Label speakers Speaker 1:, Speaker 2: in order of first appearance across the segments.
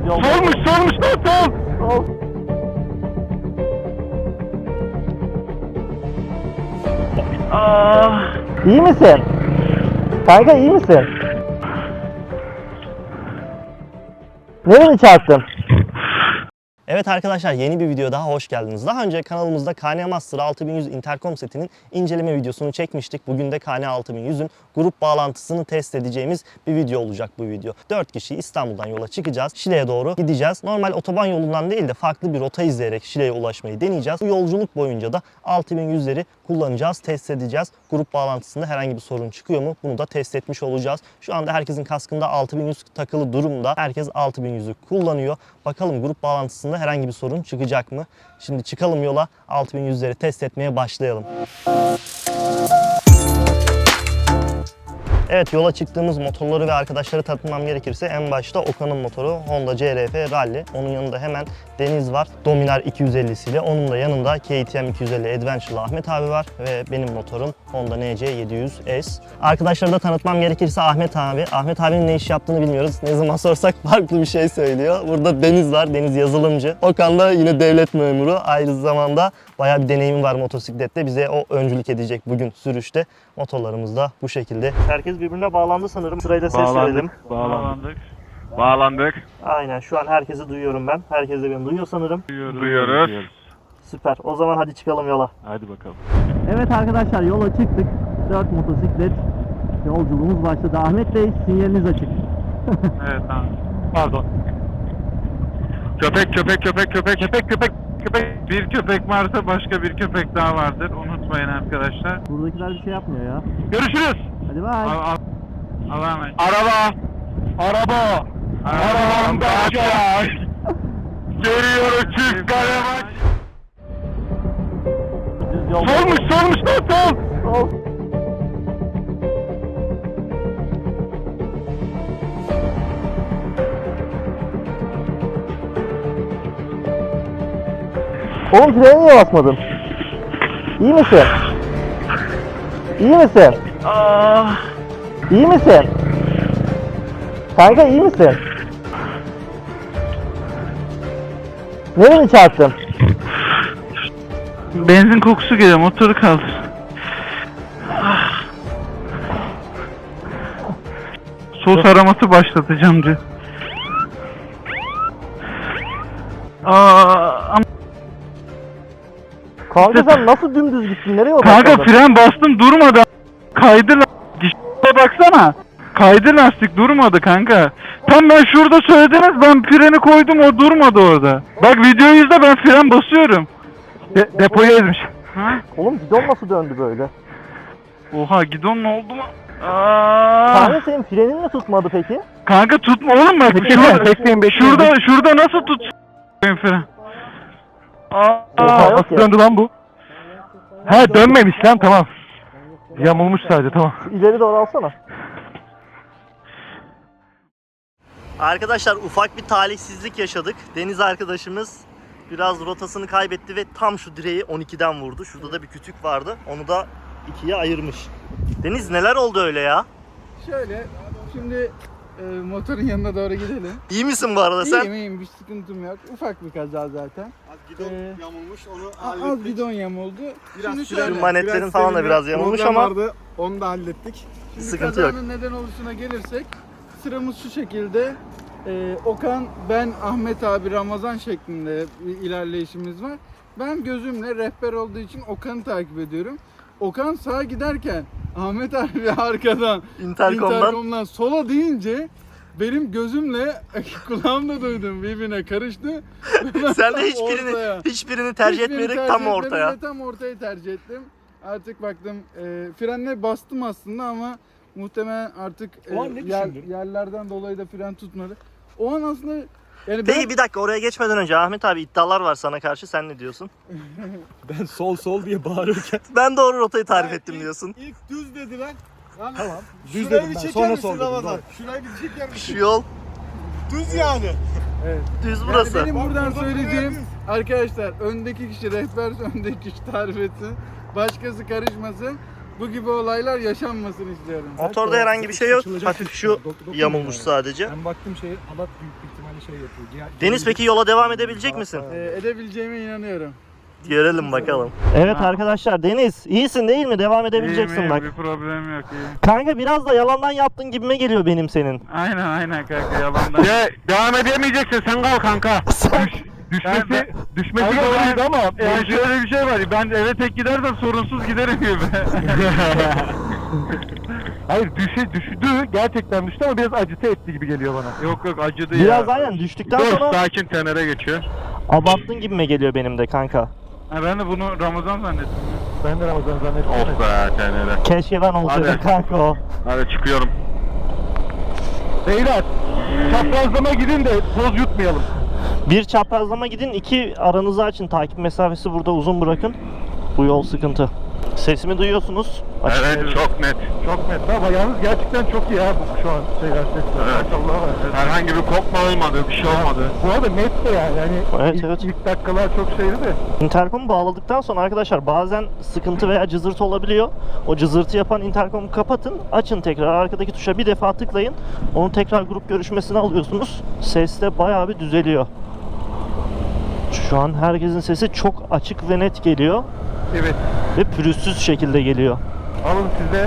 Speaker 1: Solmuş lan sol.
Speaker 2: İyi misin? Kanka iyi misin? Nereye çarptın? Evet arkadaşlar, yeni bir video daha hoş geldiniz. Daha önce kanalımızda KN Master 6100 interkom setinin inceleme videosunu çekmiştik. Bugün de KN 6100'ün grup bağlantısını test edeceğimiz bir video olacak bu video. 4 kişi İstanbul'dan yola çıkacağız. Şile'ye doğru gideceğiz. Normal otoban yolundan değil de farklı bir rota izleyerek Şile'ye ulaşmayı deneyeceğiz. Bu yolculuk boyunca da 6100'leri kullanacağız, test edeceğiz. Grup bağlantısında herhangi bir sorun çıkıyor mu? Bunu da test etmiş olacağız. Şu anda herkesin kaskında 6100 takılı durumda. Herkes 6100'ü kullanıyor. Bakalım grup bağlantısında herhangi bir sorun çıkacak mı? Şimdi çıkalım yola, 6100'leri test etmeye başlayalım. Evet, yola çıktığımız motorları ve arkadaşları tanıtmam gerekirse en başta Okan'ın motoru Honda CR-F Rally. Onun yanında hemen Deniz var Dominar 250'siyle. Onun da yanında KTM 250 Adventure'lı Ahmet abi var ve benim motorum Honda NC 700S. Arkadaşları da tanıtmam gerekirse Ahmet abi. Ahmet abinin ne iş yaptığını bilmiyoruz. Ne zaman sorsak farklı bir şey söylüyor. Burada Deniz var. Deniz yazılımcı. Okan da yine devlet memuru. Aynı zamanda bayağı bir deneyimi var motosiklette. Bize o öncülük edecek bugün sürüşte. Motorlarımız da bu şekilde. Herkes birbirine bağlandı sanırım. Sırayla ses verelim.
Speaker 1: Bağlandık.
Speaker 2: Aynen, şu an herkesi duyuyorum ben. Herkes de beni duyuyor sanırım.
Speaker 1: Duyuyoruz.
Speaker 2: Süper. O zaman hadi çıkalım yola.
Speaker 1: Hadi bakalım.
Speaker 2: Evet arkadaşlar, yola çıktık. 4 motosiklet yolculuğumuz başladı. Ahmet Bey, sinyaliniz açık.
Speaker 1: Evet tamam. Pardon. Köpek. Bir köpek varsa başka bir köpek daha vardır. Unutmayın arkadaşlar.
Speaker 2: Buradakiler bir şey yapmıyor ya.
Speaker 1: Görüşürüz.
Speaker 2: Hadi bay.
Speaker 1: Allah'a emanet. Araba. Arabam kaçar. Geliyor çift kale maç.
Speaker 2: Düz yol.
Speaker 1: Solmuş lan sol.
Speaker 2: Sol. Oğlum freni niye basmadın? İyi misin? İyi misin? İyi misin? Kanka iyi misin? Nereye çarptın?
Speaker 1: Benzin kokusu geliyor, motoru kaldır. Sos araması başlatacağım diyor.
Speaker 2: Kanka sen nasıl dümdüz gittin? Nereye
Speaker 1: Kanka
Speaker 2: odaklandın?
Speaker 1: fren bastım durmadı. Kaydı lastik. Baksana. Kaydı lastik durmadı kanka. Tam ben şurada söylediniz, ben freni koydum, o durmadı orada. Bak videoyu izle, ben fren basıyorum. Depoyu ezmiş. Ha?
Speaker 2: Oğlum gidon nasıl döndü böyle?
Speaker 1: Oha, gidon ne oldu mu?
Speaker 2: Kanka senin frenin mi tutmadı peki?
Speaker 1: Kanka tutma oğlum bak. Şurada nasıl tut fren?
Speaker 2: Oha, yok
Speaker 1: Nasıl
Speaker 2: ya.
Speaker 1: döndü lan bu? He, dönmemiş lan, tamam. Yamulmuş sadece, tamam.
Speaker 2: Şu ileri doğru alsana. Arkadaşlar, ufak bir talihsizlik yaşadık. Deniz arkadaşımız biraz rotasını kaybetti ve tam şu direği 12'den vurdu. Şurada da bir kütük vardı. Onu da ikiye ayırmış. Deniz, neler oldu öyle ya?
Speaker 3: Şöyle, şimdi motorun yanına doğru gidelim.
Speaker 2: İyi misin bu arada sen?
Speaker 3: İyiyim, bir sıkıntım yok. Ufak bir kaza zaten.
Speaker 4: Az gidon yamulmuş, onu
Speaker 3: Az
Speaker 4: hallettik.
Speaker 3: bidon yamuldu.
Speaker 4: Biraz
Speaker 3: Şimdi
Speaker 4: süren-
Speaker 2: Şu manetlerin falan da biraz yamulmuş
Speaker 4: problem
Speaker 2: ama
Speaker 4: vardı, onu da hallettik.
Speaker 3: Şimdi
Speaker 2: sıkıntı yok.
Speaker 3: kazanın neden oluşuna gelirsek, sıramız şu şekilde. Okan, ben, Ahmet abi, Ramazan şeklinde bir ilerleyişimiz var. Ben gözümle rehber olduğu için Okan'ı takip ediyorum. Okan sağa giderken Ahmet abi arkadan interkomdan sola deyince benim gözümle kulağımda duydum, birbirine karıştı.
Speaker 2: sen de
Speaker 3: Tam
Speaker 2: hiçbirini
Speaker 3: ortaya.
Speaker 2: tercih
Speaker 3: Hiçbirini
Speaker 2: etmeyerek
Speaker 3: tercih
Speaker 2: tam
Speaker 3: etmedim
Speaker 2: ortaya.
Speaker 3: ve tam ortayı tercih ettim. Artık baktım frenle bastım aslında ama muhtemelen artık
Speaker 1: O an ne düşündün?
Speaker 3: yerlerden dolayı da fren tutmadı. O an aslında yani
Speaker 2: Peki bir dakika, oraya geçmeden önce Ahmet abi, iddialar var sana karşı, sen ne diyorsun?
Speaker 4: Ben sol diye bağırırken.
Speaker 2: Ben doğru rotayı tarif ettim diyorsun.
Speaker 4: İlk düz dedi lan. Tamam.
Speaker 5: Düz
Speaker 4: Şurayı
Speaker 5: dedim
Speaker 4: bir
Speaker 5: ben,
Speaker 4: çeker
Speaker 5: sonra
Speaker 4: misin
Speaker 5: sol dedim,
Speaker 4: Ramazan?
Speaker 5: doğru.
Speaker 4: Şurayı bir çeker misin?
Speaker 2: Şu yol
Speaker 4: Düz yani.
Speaker 2: düz
Speaker 3: Yani
Speaker 2: burası.
Speaker 3: benim buradan
Speaker 4: Bak,
Speaker 3: söyleyeceğim
Speaker 4: buradan
Speaker 3: arkadaşlar, öndeki kişi rehber, öndeki kişi tarif etsin. Başkası karışmasın. bu gibi olaylar yaşanmasın istiyorum.
Speaker 2: Motorda herhangi bir şey yok. Hafif şu yamulmuş sadece.
Speaker 4: Ben baktım şey halat büyük bir ihtimalle şey yapıyor.
Speaker 2: Deniz peki yola devam edebilecek misin?
Speaker 3: Edebileceğime inanıyorum.
Speaker 2: Görelim bakalım. Evet arkadaşlar, Deniz iyisin değil mi? Devam edebileceksin
Speaker 1: İyiyim,
Speaker 2: bak.
Speaker 1: bir problem yok iyi.
Speaker 2: Kanka biraz da yalandan yaptın gibime geliyor benim senin.
Speaker 1: Aynen kanka yalandan. Ya devam edemeyeceksin sen kal kanka. Düşmesi doğruydu ama yani şöyle bir şey var. Ben eve tek gidersen sorunsuz giderim gibi.
Speaker 4: Hayır düştü. Gerçekten düştü ama biraz acıtı etti gibi geliyor bana.
Speaker 1: Yok acıdı
Speaker 2: Biraz aynen düştükten sonra
Speaker 1: sakin tenere geçiyor.
Speaker 2: abarttın gibime geliyor benim de kanka.
Speaker 1: Ha, ben de bunu Ramazan zannettim.
Speaker 4: Ben de Ramazan zannettim.
Speaker 1: Of be tenere.
Speaker 2: Keşke ben olsaydım
Speaker 1: Hadi.
Speaker 2: kanka o.
Speaker 1: Hadi çıkıyorum.
Speaker 4: Beyler çaprazlama gidin de toz yutmayalım.
Speaker 2: Bir çaprazlama gidin, iki aranızı açın. Takip mesafesi burada uzun bırakın. Bu yol sıkıntı. Sesimi duyuyorsunuz. Açık
Speaker 1: Evet çok net.
Speaker 4: Çok net ama yalnız gerçekten çok iyi ha bu şu an şeyler sesler.
Speaker 1: Evet.
Speaker 4: Maşallah var. Evet.
Speaker 1: Herhangi bir kopma olmadı, bir şey olmadı.
Speaker 4: Bu arada net de yani
Speaker 2: Evet,
Speaker 4: ilk,
Speaker 2: evet.
Speaker 4: ilk dakikalar çok şeydi de.
Speaker 2: Interkomu bağladıktan sonra arkadaşlar bazen sıkıntı veya cızırtı olabiliyor. O cızırtı yapan interkomu kapatın, açın tekrar. Arkadaki tuşa bir defa tıklayın. Onu tekrar grup görüşmesine alıyorsunuz. Ses de bayağı bir düzeliyor. Şu an herkesin sesi çok açık ve net geliyor.
Speaker 4: Evet.
Speaker 2: Ve pürüzsüz şekilde geliyor.
Speaker 4: Alın size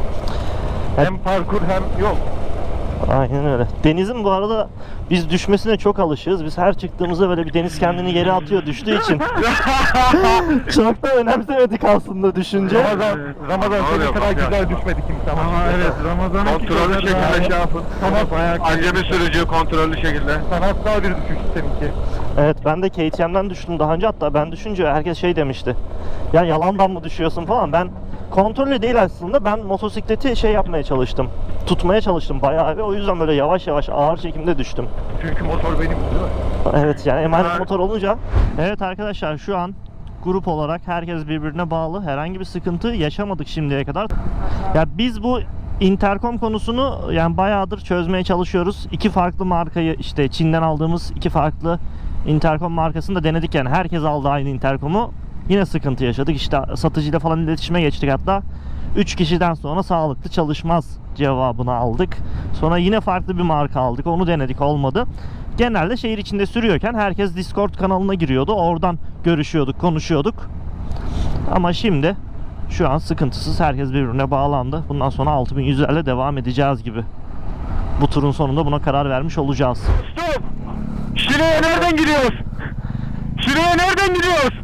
Speaker 4: hem parkur hem yol.
Speaker 2: Aynen öyle. Deniz'in bu arada biz düşmesine çok alışığız. Biz her çıktığımızda böyle bir Deniz kendini geri atıyor düştüğü için. Çok da önemsemedik aslında düşünce.
Speaker 4: Ramazan
Speaker 1: Ne
Speaker 4: senin
Speaker 1: oluyor
Speaker 4: kadar
Speaker 1: bak ya?
Speaker 4: güzel düşmedi kimse ama.
Speaker 1: Ama evet Ramazan'ın kontrollü şekilde şey yapın. Acemi sürücü kontrollü şekilde.
Speaker 4: Sanatsal bir düşüş seninki.
Speaker 2: Evet, ben de KTM'den düştüm daha önce, hatta ben düşünce herkes şey demişti. Ya yalandan mı düşüyorsun falan. Ben kontrollü değil aslında, ben motosikleti şey yapmaya çalıştım. Tutmaya çalıştım bayağı, ve o yüzden böyle yavaş yavaş ağır çekimde düştüm.
Speaker 4: Çünkü motor benim değil mi?
Speaker 2: Evet yani emanet motor olunca. Evet arkadaşlar, şu an grup olarak herkes birbirine bağlı. Herhangi bir sıkıntı yaşamadık şimdiye kadar. Ya biz bu interkom konusunu yani bayağıdır çözmeye çalışıyoruz. İki farklı markayı, işte Çin'den aldığımız iki farklı interkom markasını da denedik, yani herkes aldı aynı interkomu. Yine sıkıntı yaşadık. İşte satıcıyla falan iletişime geçtik hatta. 3 kişiden sonra sağlıklı çalışmaz cevabını aldık. Sonra yine farklı bir marka aldık. Onu denedik, olmadı. Genelde şehir içinde sürüyorken herkes Discord kanalına giriyordu. Oradan görüşüyorduk, konuşuyorduk. Ama şimdi şu an sıkıntısız, herkes birbirine bağlandı. Bundan sonra 6100'lerle devam edeceğiz gibi. Bu turun sonunda buna karar vermiş olacağız.
Speaker 1: Stop! Şile'ye nereden gidiyoruz? Şile'ye nereden gidiyoruz?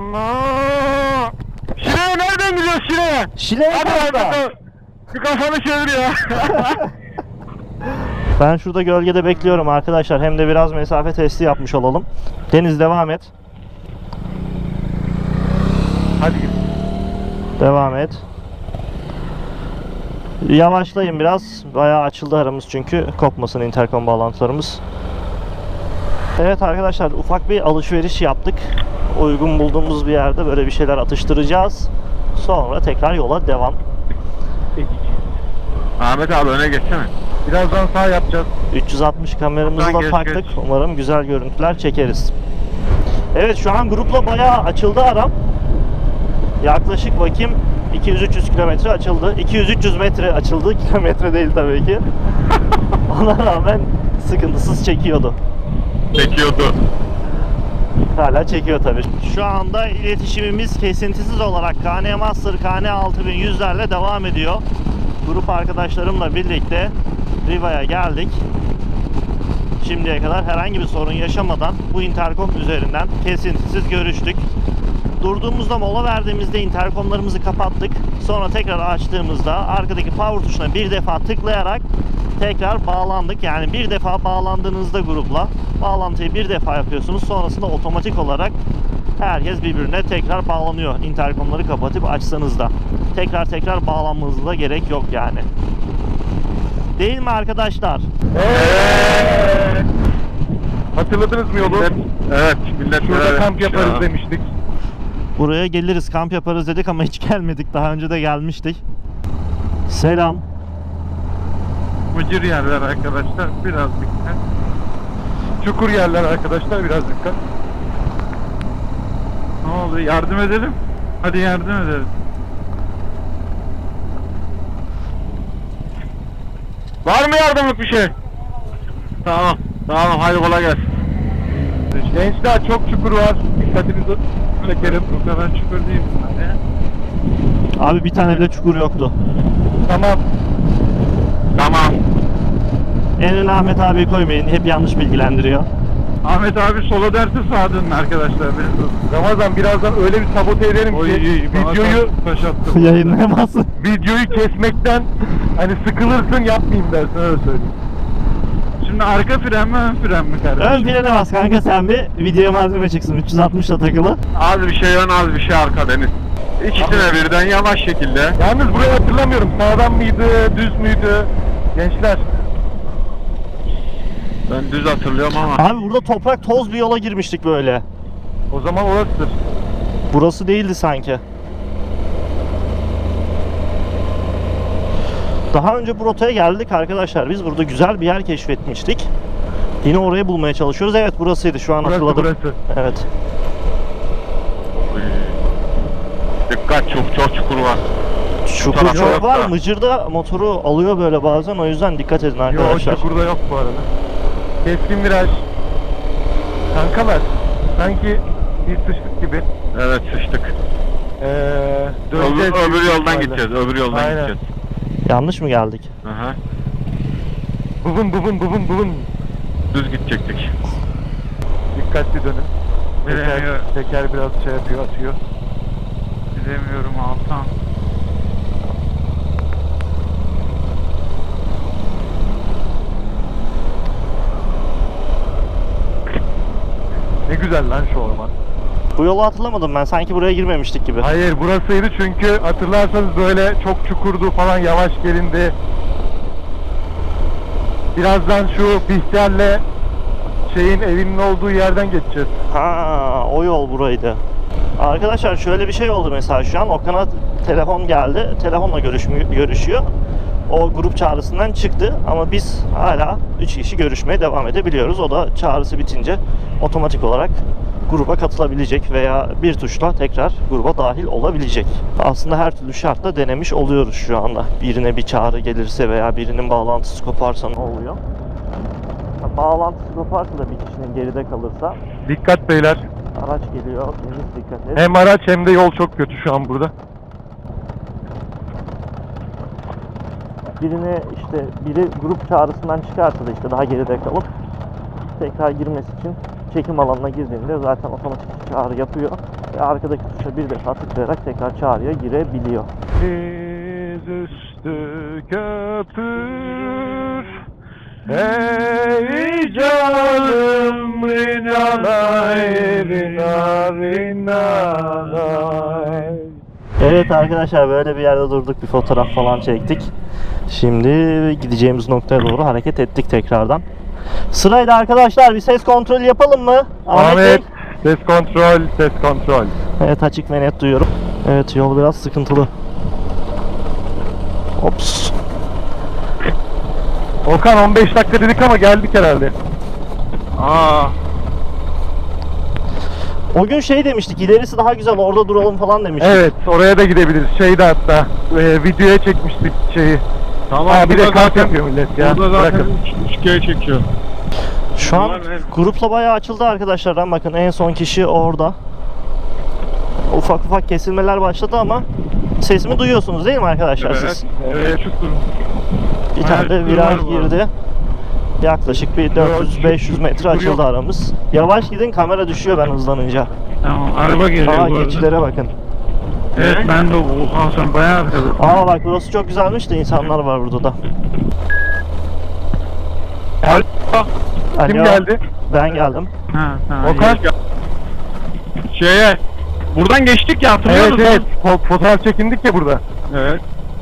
Speaker 1: Şile'ye nereden gidiyoruz Şile'ye?
Speaker 2: Şile burada.
Speaker 1: Bir kafanı çevir ya.
Speaker 2: Ben şurada gölgede bekliyorum arkadaşlar. Hem de biraz mesafe testi yapmış olalım. Deniz devam et.
Speaker 4: Hadi git.
Speaker 2: Devam et. Yavaşlayın biraz. Bayağı açıldı aramız çünkü. Kopmasın interkom bağlantılarımız. Evet arkadaşlar, ufak bir alışveriş yaptık. Uygun bulduğumuz bir yerde böyle bir şeyler atıştıracağız. Sonra tekrar yola devam.
Speaker 1: Ahmet abi öne geçsene.
Speaker 4: Birazdan sağ yapacağız.
Speaker 2: 360 kameramızı
Speaker 1: Buradan
Speaker 2: da
Speaker 1: geç,
Speaker 2: taktık.
Speaker 1: geç.
Speaker 2: Umarım güzel görüntüler çekeriz. Evet, şu an grupla bayağı açıldı aram. Yaklaşık bakayım 200-300 kilometre açıldı. 200-300 metre açıldı. Kilometre değil tabii ki. Ona rağmen sıkıntısız çekiyordu.
Speaker 1: Çekiyordu.
Speaker 2: Hala çekiyor tabii. Şu anda iletişimimiz kesintisiz olarak KN Master KN 6100'lerle devam ediyor. Grup arkadaşlarımla birlikte Riva'ya geldik. Şimdiye kadar herhangi bir sorun yaşamadan bu interkom üzerinden kesintisiz görüştük. Durduğumuzda, mola verdiğimizde interkomlarımızı kapattık. Sonra tekrar açtığımızda arkadaki power tuşuna bir defa tıklayarak tekrar bağlandık. Yani bir defa bağlandığınızda grupla bağlantıyı bir defa yapıyorsunuz. Sonrasında otomatik olarak herkes birbirine tekrar bağlanıyor. Interkomları kapatıp açsanız da. Tekrar bağlanmanıza da gerek yok yani. Değil mi arkadaşlar?
Speaker 4: Hatırladınız mı yolu?
Speaker 1: Evet millet
Speaker 4: Şurada kamp yaparız demiştik.
Speaker 2: Buraya geliriz, kamp yaparız dedik ama hiç gelmedik. Daha önce de gelmiştik. Selam.
Speaker 1: Mıcır yerler arkadaşlar, biraz dikkat.
Speaker 4: Çukur yerler arkadaşlar, biraz dikkat.
Speaker 1: Ne oldu, yardım edelim? Hadi yardım edelim. Var mı yardımlık bir şey? Tamam. Tamam hadi kolay gelsin.
Speaker 4: Gençler çok çukur var. Dikkatinizi çekerim.
Speaker 1: Bu kadar çukur değil bunlar ya.
Speaker 2: Abi bir tane bile çukur yoktu.
Speaker 4: Tamam.
Speaker 1: Tamam.
Speaker 2: En öne Ahmet abi koymayın. Hep yanlış bilgilendiriyor.
Speaker 1: Ahmet abi sola derse sağa dönün arkadaşlar.
Speaker 4: Ramazan birazdan öyle bir sabote ederim ki videoyu
Speaker 1: taş attı.
Speaker 2: Yayınlayamazsın.
Speaker 4: videoyu kesmekten hani sıkılırsın yapmayayım dersin öyle söyleyeyim.
Speaker 1: Şimdi arka fren mi ön fren mi kardeşim?
Speaker 2: Ön frene bas kanka sen bir. Videoya malzeme çıksın. 360'la takılı.
Speaker 1: Az bir şey ön az bir şey arka Deniz. İkisine birden yavaş şekilde.
Speaker 4: Yalnız burayı hatırlamıyorum. Sağdan mıydı, düz müydü? Gençler.
Speaker 1: Ben düz hatırlıyorum ama.
Speaker 2: Abi burada toprak toz bir yola girmiştik böyle.
Speaker 4: O zaman orasıdır.
Speaker 2: Burası değildi sanki. Daha önce bu rotaya geldik arkadaşlar. Biz burada güzel bir yer keşfetmiştik. Yine orayı bulmaya çalışıyoruz. Evet burasıydı şu an hatırladım.
Speaker 4: Burası.
Speaker 2: Evet.
Speaker 1: Dikkat çok çukur var.
Speaker 2: Çukur
Speaker 1: tarafta
Speaker 2: çok
Speaker 1: yok
Speaker 2: var.
Speaker 1: da.
Speaker 2: Mıcırda motoru alıyor böyle bazen. O yüzden dikkat edin
Speaker 4: Yok
Speaker 2: arkadaşlar.
Speaker 4: çukurda yok bu arada. Keskin viraj. Kankalar sanki bir sıçtık gibi.
Speaker 1: Evet sıçtık.
Speaker 4: Döneceğiz.
Speaker 1: Öbür yoldan
Speaker 4: ihtimalle.
Speaker 1: gideceğiz. Öbür yoldan
Speaker 4: Aynen.
Speaker 1: gideceğiz.
Speaker 2: Yanlış mı geldik?
Speaker 1: Aha.
Speaker 4: Bubun.
Speaker 1: Düz gidecektik.
Speaker 4: Dikkatli dönün.
Speaker 1: Bilemiyorum.
Speaker 4: Teker biraz şey yapıyor, atıyor.
Speaker 1: Bilemiyorum Altan.
Speaker 4: Ne güzel lan şu orman.
Speaker 2: Bu yolu hatırlamadım ben. Sanki buraya girmemiştik gibi.
Speaker 4: Hayır burasıydı çünkü hatırlarsanız böyle çok çukurdu falan, yavaş gelindi. Birazdan şu Bihter'le şeyin evinin olduğu yerden geçeceğiz.
Speaker 2: Ha, o yol buraydı. Arkadaşlar şöyle bir şey oldu mesela şu an. Okan'a telefon geldi. Telefonla görüşüyor. O grup çağrısından çıktı ama biz hala 3 kişi görüşmeye devam edebiliyoruz. O da çağrısı bitince otomatik olarak gruba katılabilecek veya bir tuşla tekrar gruba dahil olabilecek. Aslında her türlü şartla denemiş oluyoruz şu anda. Birine bir çağrı gelirse veya birinin bağlantısı koparsa ne oluyor? Bağlantısı koparsa da bir kişinin geride kalırsa
Speaker 4: Dikkat beyler.
Speaker 2: araç geliyor. Deniz dikkat et.
Speaker 4: Hem araç hem de yol çok kötü şu an burada.
Speaker 2: Biri grup çağrısından çıkarsa da işte daha geride kalıp tekrar girmesi için çekim alanına girdiğinde zaten otomatik çağrı yapıyor ve arkadaki tuşa bir defa tıklayarak tekrar çağrıya girebiliyor.
Speaker 4: Dizüstü köpür. Ey canım rinalay rinalay.
Speaker 2: Evet arkadaşlar böyle bir yerde durduk, bir fotoğraf falan çektik. Şimdi gideceğimiz noktaya doğru hareket ettik tekrardan. Sırayla arkadaşlar bir ses kontrolü yapalım mı? Ahmet Bey?
Speaker 4: Ahmet, ses kontrol, ses kontrol.
Speaker 2: Evet açık ve net duyuyorum. Evet yol biraz sıkıntılı. Ops.
Speaker 4: Okan 15 dakika dedik ama geldik herhalde.
Speaker 1: Aa.
Speaker 2: O gün şey demiştik, ilerisi daha güzel orada duralım falan demiştik.
Speaker 4: Evet, oraya da gidebiliriz. Şeyde hatta videoya çekmiştik şeyi.
Speaker 1: Tamam.
Speaker 4: Ha, bir de
Speaker 1: burada
Speaker 4: kamp
Speaker 1: zaten-
Speaker 4: yapıyor millet ya.
Speaker 1: Burada zaten
Speaker 4: Bırakın.
Speaker 1: üçgeye çekiyor.
Speaker 2: Şu an
Speaker 1: Bunlar ne?
Speaker 2: grupla bayağı açıldı arkadaşlar. Bakın en son kişi orada. Ufak ufak kesilmeler başladı ama sesimi duyuyorsunuz değil mi arkadaşlar siz?
Speaker 1: Evet. Çukur.
Speaker 2: Bir tane de
Speaker 1: Evet,
Speaker 2: viraj
Speaker 1: var bu arada.
Speaker 2: girdi. Yaklaşık bir 400-500 metre açıldı aramız. Yavaş gidin kamera düşüyor ben hızlanınca.
Speaker 1: Tamam araba geliyor
Speaker 2: Aa
Speaker 1: bu arada.
Speaker 2: geçilere bakın.
Speaker 1: Evet ben de oha sen bayağı arkadasın.
Speaker 2: Aa bak burası çok güzelmiş de insanlar var burada da.
Speaker 4: Kim
Speaker 2: Alo,
Speaker 4: geldi?
Speaker 2: Ben geldim.
Speaker 1: Ha,
Speaker 4: Okan.
Speaker 1: Şeye buradan geçtik ya hatırlıyor
Speaker 4: Evet
Speaker 1: musun?
Speaker 4: evet. Fotoğraf çekindik ya burada.
Speaker 1: Evet.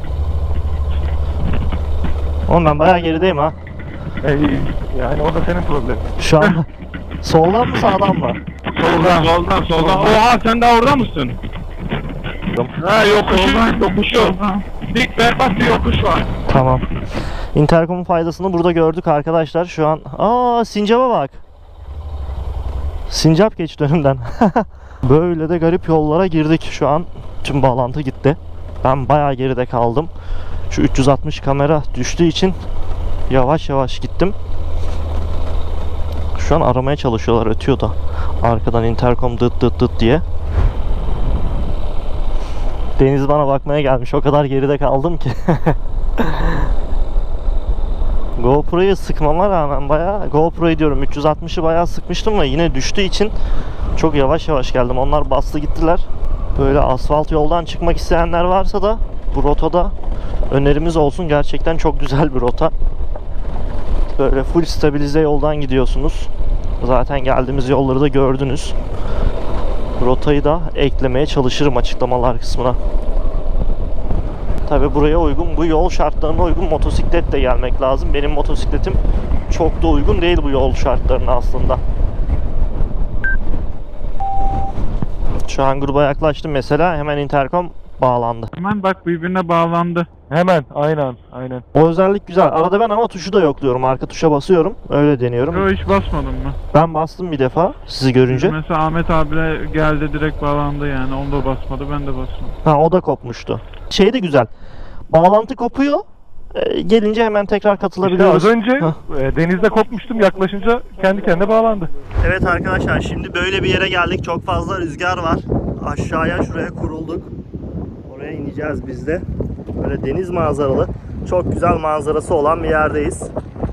Speaker 2: Oğlum ben bayağı gerideyim ha.
Speaker 4: Yani o da senin problemin.
Speaker 2: Şu an soldan mı sağdan mı?
Speaker 1: Soldan. Oha sen daha orada mısın? Ha yokuşu. Dik berbat bir yokuş var.
Speaker 2: Tamam. Intercom'un faydasını burada gördük arkadaşlar. Şu an sincaba bak. Sincap geçti önümden. Böyle de garip yollara girdik. Şu an tüm bağlantı gitti. Ben bayağı geride kaldım. Şu 360 kamera düştüğü için Yavaş yavaş gittim. Şu an aramaya çalışıyorlar, ötüyor da. Arkadan intercom dıt dıt dıt diye. Deniz bana bakmaya gelmiş. O kadar geride kaldım ki. GoPro'yu sıkmama rağmen GoPro'yu diyorum 360'ı bayağı sıkmıştım ve yine düştüğü için çok yavaş yavaş geldim. Onlar bastı gittiler. Böyle asfalt yoldan çıkmak isteyenler varsa da bu rotada önerimiz olsun. Gerçekten çok güzel bir rota. Böyle full stabilize yoldan gidiyorsunuz. Zaten geldiğimiz yolları da gördünüz. Rotayı da eklemeye çalışırım açıklamalar kısmına. Tabi buraya uygun, bu yol şartlarına uygun motosikletle gelmek lazım. Benim motosikletim çok da uygun değil bu yol şartlarına aslında. Şu an gruba yaklaştım mesela, hemen intercom bağlandı.
Speaker 1: Hemen bak birbirine bağlandı.
Speaker 4: Hemen aynen.
Speaker 2: O özellik güzel. Arada ben ama tuşu da yokluyorum. Arka tuşa basıyorum. Öyle deniyorum.
Speaker 1: Yo, hiç basmadın mı?
Speaker 2: Ben bastım bir defa sizi görünce.
Speaker 1: Mesela Ahmet abiyle geldi direkt bağlandı yani. Onu da basmadı, ben de basmadım.
Speaker 2: Ha, o da kopmuştu. Şey de güzel. Bağlantı kopuyor. Gelince hemen tekrar
Speaker 4: İşte
Speaker 2: katılabiliyoruz.
Speaker 4: az önce
Speaker 2: Hah.
Speaker 4: denizde kopmuştum, yaklaşınca kendi kendine bağlandı.
Speaker 2: Evet arkadaşlar, şimdi böyle bir yere geldik. Çok fazla rüzgar var. Aşağıya şuraya kurulduk. Oraya ineceğiz biz de. Böyle deniz manzaralı, çok güzel manzarası olan bir yerdeyiz.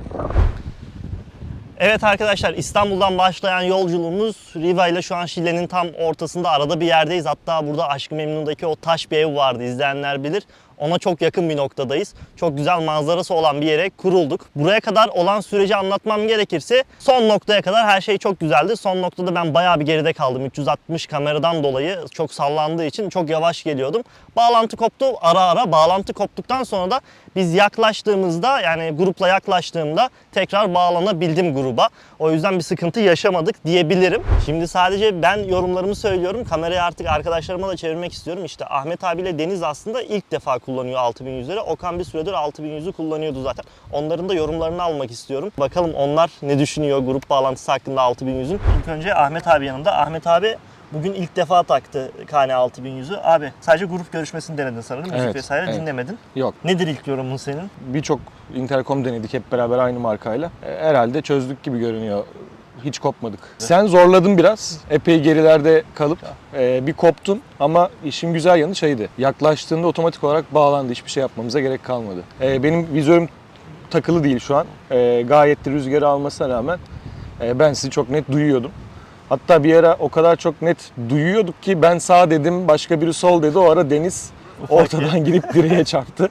Speaker 2: Evet arkadaşlar, İstanbul'dan başlayan yolculuğumuz Riva ile şu an Şile'nin tam ortasında, arada bir yerdeyiz. Hatta burada Aşk-ı Memnun'daki o taş bir ev vardı, izleyenler bilir. Ona çok yakın bir noktadayız. Çok güzel manzarası olan bir yere kurulduk. Buraya kadar olan süreci anlatmam gerekirse son noktaya kadar her şey çok güzeldi. Son noktada ben bayağı bir geride kaldım. 360 kameradan dolayı çok sallandığı için çok yavaş geliyordum. Bağlantı koptu ara ara. Bağlantı koptuktan sonra da biz yaklaştığımızda, yani grupla yaklaştığımda tekrar bağlanabildim gruba. O yüzden bir sıkıntı yaşamadık diyebilirim. Şimdi sadece ben yorumlarımı söylüyorum. Kamerayı artık arkadaşlarıma da çevirmek istiyorum. İşte Ahmet abiyle Deniz aslında ilk defa kullanıyor 6100'leri. Okan bir süredir 6100'ü kullanıyordu zaten. Onların da yorumlarını almak istiyorum. Bakalım onlar ne düşünüyor grup bağlantısı hakkında 6100'ün. İlk önce Ahmet abi yanımda. Ahmet abi bugün ilk defa taktı KN 6100'ü. Abi sadece grup görüşmesini denedin sanırım. Müzik
Speaker 5: Evet,
Speaker 2: vesaire
Speaker 5: evet.
Speaker 2: dinlemedin.
Speaker 5: Yok.
Speaker 2: Nedir ilk yorumun senin?
Speaker 5: Birçok intercom denedik hep beraber aynı markayla. Herhalde çözdük gibi görünüyor. Hiç kopmadık. Sen zorladın biraz. Epey gerilerde kalıp bir koptun ama işin güzel yanı şeydi. Yaklaştığında otomatik olarak bağlandı. Hiçbir şey yapmamıza gerek kalmadı. Benim vizörüm takılı değil şu an. Gayet de rüzgarı almasına rağmen ben sizi çok net duyuyordum. Hatta bir ara o kadar çok net duyuyorduk ki ben sağ dedim, başka biri sol dedi. O ara Deniz ortadan girip direğe çarptı.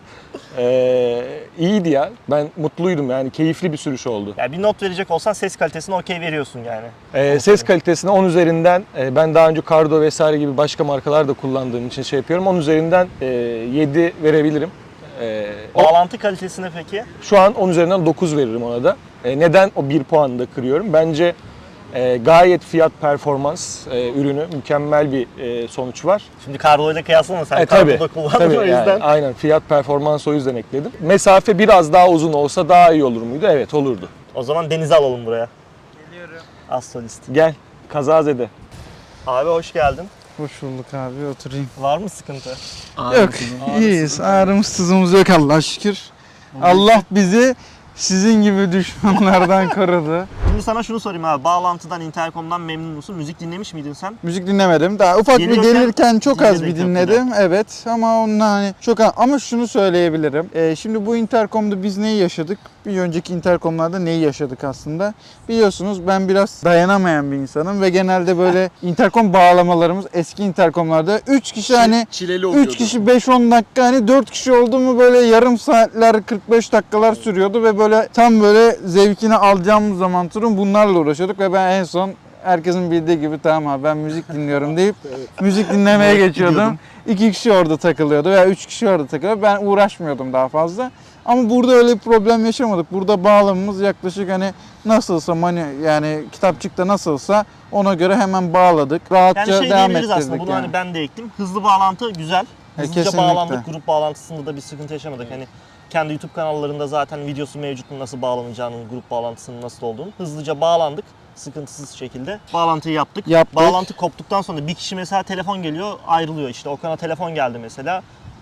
Speaker 5: İyiydi ya. Ben mutluydum yani. Keyifli bir sürüş oldu.
Speaker 2: Yani bir not verecek olsan ses kalitesine okey veriyorsun yani.
Speaker 5: Ses kalitesine 10 üzerinden ben daha önce Cardo vesaire gibi başka markalar da kullandığım için şey yapıyorum. 10 üzerinden 7 verebilirim.
Speaker 2: Bağlantı kalitesine peki?
Speaker 5: Şu an 10 üzerinden 9 veririm ona da. Neden o 1 puanı da kırıyorum? Bence gayet fiyat performans ürünü, mükemmel bir sonuç var.
Speaker 2: Şimdi Carlo ile kıyaslama, sen
Speaker 5: Tabii,
Speaker 2: Carlo'da kullandın
Speaker 5: tabii
Speaker 2: o yüzden.
Speaker 5: yani, aynen fiyat performans o yüzden ekledim. Mesafe biraz daha uzun olsa daha iyi olur muydu? Evet, olurdu.
Speaker 2: O zaman Deniz'i alalım buraya.
Speaker 3: Geliyorum.
Speaker 2: Az solist.
Speaker 5: Gel, kazazede.
Speaker 2: Abi hoş geldin.
Speaker 3: Hoş bulduk abi, oturayım.
Speaker 2: Var mı sıkıntı?
Speaker 3: Yok, iyiyiz. Ağrımız sızımız yok Allah'a şükür. Allah bizi sizin gibi düşmanlardan korudu.
Speaker 2: Şimdi sana şunu sorayım abi. Bağlantıdan, intercom'dan memnun musun? Müzik dinlemiş miydin sen?
Speaker 3: Müzik dinlemedim. Daha ufak bir gelirken çok az bir
Speaker 2: dinledik
Speaker 3: dinledim. Evet ama onunla hani çok az. Ama şunu söyleyebilirim. Şimdi bu intercom'da biz neyi yaşadık? Bir önceki intercom'larda neyi yaşadık aslında? Biliyorsunuz ben biraz dayanamayan bir insanım ve genelde böyle intercom bağlamalarımız eski intercom'larda 3 kişi hani
Speaker 5: Çileli
Speaker 3: 3 kişi 5-10 dakika, hani 4 kişi oldu mu böyle yarım saatler 45 dakikalar sürüyordu ve böyle tam böyle zevkini alacağımız zaman turun bunlarla uğraşıyorduk ve ben en son herkesin bildiği gibi tamam abi ben müzik dinliyorum deyip müzik dinlemeye geçiyordum. 2 kişi orada takılıyordu veya 3 kişi orada takılıyordu. Ben uğraşmıyordum daha fazla. Ama burada öyle bir problem yaşamadık. Burada bağlamamız yaklaşık hani nasılsa yani kitapçıkta nasılsa ona göre hemen bağladık. Rahatça
Speaker 2: Yani şey
Speaker 3: devam
Speaker 2: diyebiliriz
Speaker 3: ettirdik
Speaker 2: aslında. Bunu
Speaker 3: yani.
Speaker 2: hani ben de ektim. Hızlı bağlantı güzel. Hızlıca
Speaker 3: kesinlikle.
Speaker 2: bağlandık. Grup bağlantısında da bir sıkıntı yaşamadık. Hani kendi YouTube kanallarında zaten videosu mevcut, nasıl bağlanacağının, grup bağlantısının nasıl olduğunu. Hızlıca bağlandık. Sıkıntısız şekilde bağlantıyı yaptık.
Speaker 3: Yaptık.
Speaker 2: Bağlantı koptuktan sonra bir kişi mesela telefon geliyor, ayrılıyor işte. Okan'a telefon geldi mesela.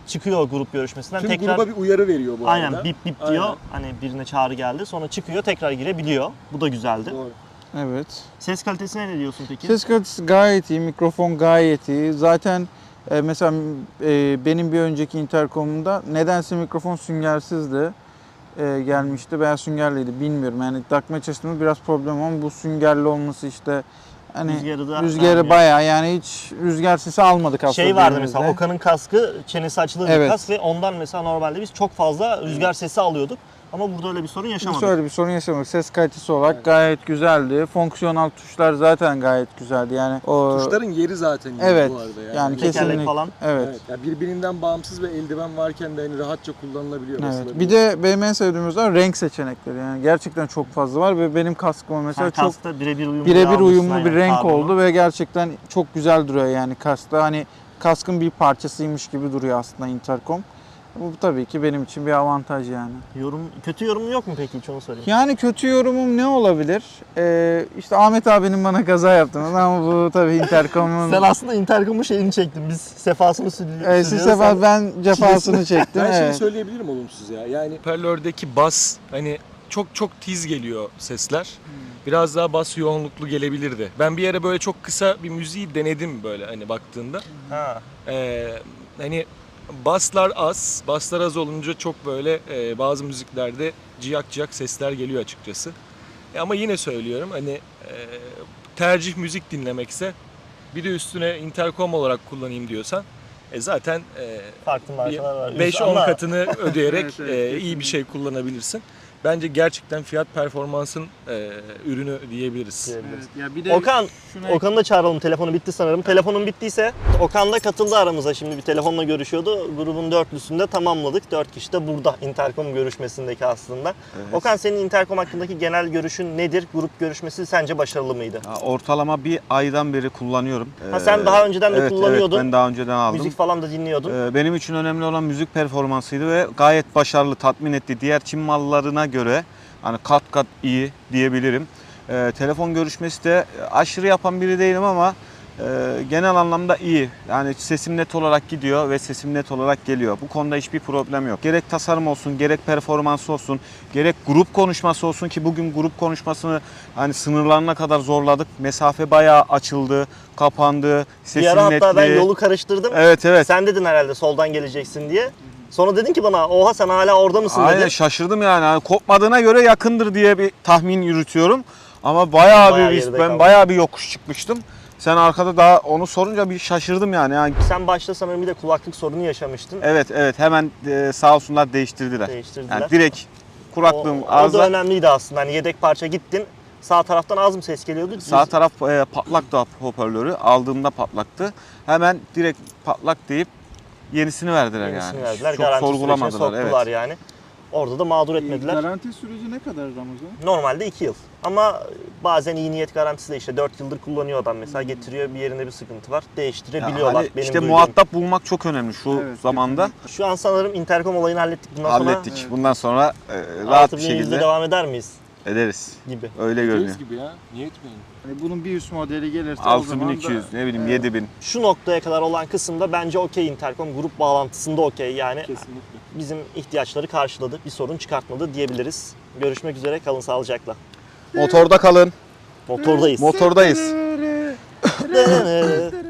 Speaker 2: çıkıyor grup görüşmesinden.
Speaker 5: Şimdi
Speaker 2: tekrar
Speaker 5: gruba bir uyarı veriyor bu arada.
Speaker 2: aynen bip bip diyor.
Speaker 5: Aynen.
Speaker 2: Hani birine çağrı geldi. Sonra çıkıyor, tekrar girebiliyor. Bu da güzeldi.
Speaker 5: Doğru.
Speaker 3: Evet.
Speaker 2: Ses kalitesine ne diyorsun peki?
Speaker 3: Ses kalitesi gayet iyi, mikrofon gayet iyi. Zaten mesela benim bir önceki intercom'umda nedense mikrofon süngersizdi. Gelmişti veya süngerliydi bilmiyorum. Yani takmaya çalıştığımda biraz problem ama bu süngerli olması işte hani rüzgarı
Speaker 2: vermiyor.
Speaker 3: bayağı yani hiç rüzgar sesi almadık aslında.
Speaker 2: Şey vardı
Speaker 3: elimizde.
Speaker 2: mesela Okan'ın kaskı çenesi açılır bir
Speaker 3: Evet.
Speaker 2: kask ve ondan mesela normalde biz çok fazla rüzgar sesi alıyorduk. Ama burada öyle bir sorun yaşamadık.
Speaker 3: Şöyle bir sorun yaşamadık. Ses kalitesi olarak gayet güzeldi. Fonksiyonel tuşlar zaten gayet güzeldi. Yani o
Speaker 5: Tuşların yeri zaten iyi
Speaker 3: Evet.
Speaker 5: bu arada yani.
Speaker 3: yani
Speaker 2: Tekerlek
Speaker 3: kesinlikle
Speaker 2: falan.
Speaker 3: Evet.
Speaker 5: Evet. Yani birbirinden bağımsız ve eldiven varken de hani rahatça kullanılabiliyor.
Speaker 3: Evet.
Speaker 5: basılabiliyor.
Speaker 3: Bir de benim en sevdiğim özellik renk seçenekleri. Yani gerçekten çok fazla var ve benim kaskıma mesela
Speaker 2: Sen
Speaker 3: çok
Speaker 2: kaskta birebir uyumlu,
Speaker 3: birebir
Speaker 2: almışsın,
Speaker 3: uyumlu
Speaker 2: aynen,
Speaker 3: bir renk
Speaker 2: karbonu.
Speaker 3: oldu ve gerçekten çok güzel duruyor yani kaskta. Hani kaskın bir parçasıymış gibi duruyor aslında intercom. Bu tabii ki benim için bir avantaj yani.
Speaker 2: Kötü yorumun yok mu peki, hiç onu sorayım.
Speaker 3: Yani kötü yorumum ne olabilir? İşte Ahmet abinin bana kaza yaptığını ama bu tabii intercom'un...
Speaker 2: Sen aslında intercom'un şeyini çektin. Biz sefasını sürüyoruz.
Speaker 3: Siz sefer ben cefasını çektim.
Speaker 5: Ben şeyi
Speaker 3: evet.
Speaker 5: söyleyebilirim olumsuz ya. Yani hoparlördeki bas hani çok tiz geliyor sesler. Biraz daha bas yoğunluklu gelebilirdi. Ben bir yere böyle çok kısa bir müziği denedim böyle hani baktığında.
Speaker 2: Ha.
Speaker 5: Hani baslar az olunca çok böyle bazı müziklerde ciyak ciyak sesler geliyor açıkçası. Ama yine söylüyorum hani tercih müzik dinlemekse bir de üstüne intercom olarak kullanayım diyorsan zaten
Speaker 2: Farklı markalar var.
Speaker 5: 5-10
Speaker 2: Ama
Speaker 5: katını ödeyerek
Speaker 3: Evet, evet,
Speaker 5: iyi bir şey kullanabilirsin. Bence gerçekten fiyat performansın ürünü diyebiliriz.
Speaker 2: diyebiliriz.
Speaker 3: Ya bir de
Speaker 2: Okan,
Speaker 3: şuna-
Speaker 2: Okan'ı da çağıralım. Telefonu bitti sanırım. Telefonun bittiyse Okan da katıldı aramıza. Şimdi bir telefonla görüşüyordu. Grubun dörtlüsünü de tamamladık. 4 kişi de burada intercom görüşmesindeki aslında. Okan, senin intercom hakkındaki genel görüşün nedir? Grup görüşmesi sence başarılı mıydı?
Speaker 6: Ya, ortalama bir aydan beri kullanıyorum.
Speaker 2: Ha, sen daha önceden de
Speaker 6: evet,
Speaker 2: kullanıyordun.
Speaker 6: Evet, ben daha önceden aldım.
Speaker 2: Müzik falan da dinliyordun.
Speaker 6: Benim için önemli olan müzik performansıydı ve gayet başarılı, tatmin etti. Diğer Çin mallarına göre hani kat kat iyi diyebilirim. Telefon görüşmesi de aşırı yapan biri değilim ama genel anlamda iyi. Yani sesim net olarak gidiyor ve sesim net olarak geliyor. Bu konuda hiçbir problem yok. Gerek tasarım olsun, gerek performansı olsun, gerek grup konuşması olsun ki bugün grup konuşmasını hani sınırlarına kadar zorladık. Mesafe bayağı açıldı, kapandı,
Speaker 2: Bir
Speaker 6: sesin
Speaker 2: ara hatta ben
Speaker 6: netliği.
Speaker 2: yolu karıştırdım.
Speaker 6: Evet evet.
Speaker 2: Sen dedin herhalde soldan geleceksin diye. Sonra dedin ki bana, oha sen hala orada mısın
Speaker 6: Aynen
Speaker 2: dedin.
Speaker 6: şaşırdım yani. Hani kopmadığına göre yakındır diye bir tahmin yürütüyorum. Ama bayağı
Speaker 2: Bayağı
Speaker 6: bir
Speaker 2: geride
Speaker 6: ben
Speaker 2: kaldın.
Speaker 6: bayağı bir yokuş çıkmıştım. Sen arkada daha onu sorunca bir şaşırdım yani.
Speaker 2: Sen başta sanırım bir de kulaklık sorunu yaşamıştın.
Speaker 6: Evet hemen sağ olsunlar değiştirdiler.
Speaker 2: Değiştirdiler.
Speaker 6: Yani direkt kulaklığım
Speaker 2: O da
Speaker 6: ağızda
Speaker 2: önemliydi aslında. Hani yedek parça gittin. Sağ taraftan az mı ses geliyordu?
Speaker 6: sağ taraf patlaktı hoparlörü. Aldığımda patlaktı. Hemen direkt patlak deyip yenisini verdiler
Speaker 2: Yenisini
Speaker 6: yani.
Speaker 2: verdiler.
Speaker 6: Çok
Speaker 2: Garanti sürecine
Speaker 6: sorgulamadılar.
Speaker 2: soktular
Speaker 6: Evet.
Speaker 2: yani. Orada da mağdur etmediler.
Speaker 3: Garanti süreci ne kadar Ramazan?
Speaker 2: Normalde 2 yıl. Ama bazen iyi niyet garantisi de işte 4 yıldır kullanıyor adam mesela, getiriyor bir yerinde bir sıkıntı var. Değiştirebiliyorlar.
Speaker 6: Hani
Speaker 2: Benim
Speaker 6: işte
Speaker 2: duyduğum.
Speaker 6: muhatap bulmak çok önemli şu
Speaker 3: Evet,
Speaker 6: zamanda.
Speaker 2: Şu an sanırım intercom olayını hallettik. Bundan
Speaker 6: Hallettik.
Speaker 2: sonra
Speaker 6: Bundan sonra rahat bir
Speaker 2: 6100'de
Speaker 6: şekilde
Speaker 2: devam eder miyiz
Speaker 6: ederiz.
Speaker 2: gibi.
Speaker 6: Öyle görünüyor.
Speaker 5: Deniz gibi ya. Niye etmeyin?
Speaker 3: Hani bunun bir üst modeli gelirse o zaman da
Speaker 6: 6200 ne bileyim 7000.
Speaker 2: Şu noktaya kadar olan kısımda bence okey intercom. Grup bağlantısında okey yani.
Speaker 5: Kesinlikle.
Speaker 2: Bizim ihtiyaçları karşıladı. Bir sorun çıkartmadı diyebiliriz. Görüşmek üzere. Kalın sağlıcakla.
Speaker 6: Motorda kalın.
Speaker 2: Motordayız.
Speaker 6: Motordayız.